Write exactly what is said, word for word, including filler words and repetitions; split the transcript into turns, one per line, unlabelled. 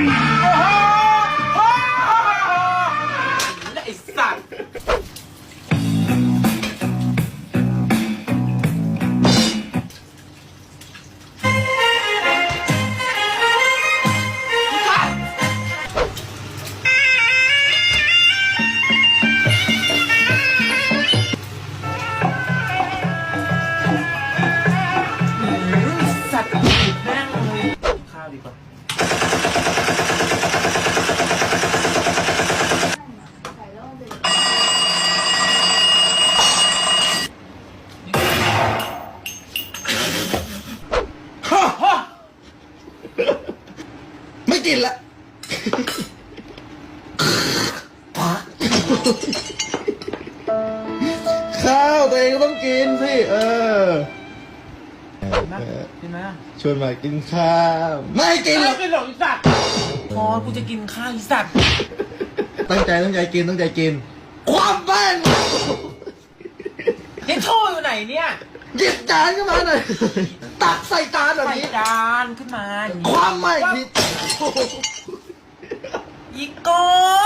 ไอ้สัตว์สัตว์แม่งเลยข้าวดีกว่า
ไม่กินละข้าวตัวเองก็ต้องกินสิเออ
นะกินไหมอ่ะ
ชวนมากินข้าวไม่กินหรอก
ไม่กินหรอกไอ้สัตว์พอกูจะกินข้าวไอ้สัตว์
ตั้งใจตั้งใจกินตั้งใจกินความแป้ง
เฮ้ยโชว์อยู่ไหนเนี่ย
หยิบจานขึ้นมาหน่อยตักใส่จานแบบ
ใส่
นี้
จานขึ้นมา
ความไม่ผิด
อีกก้อน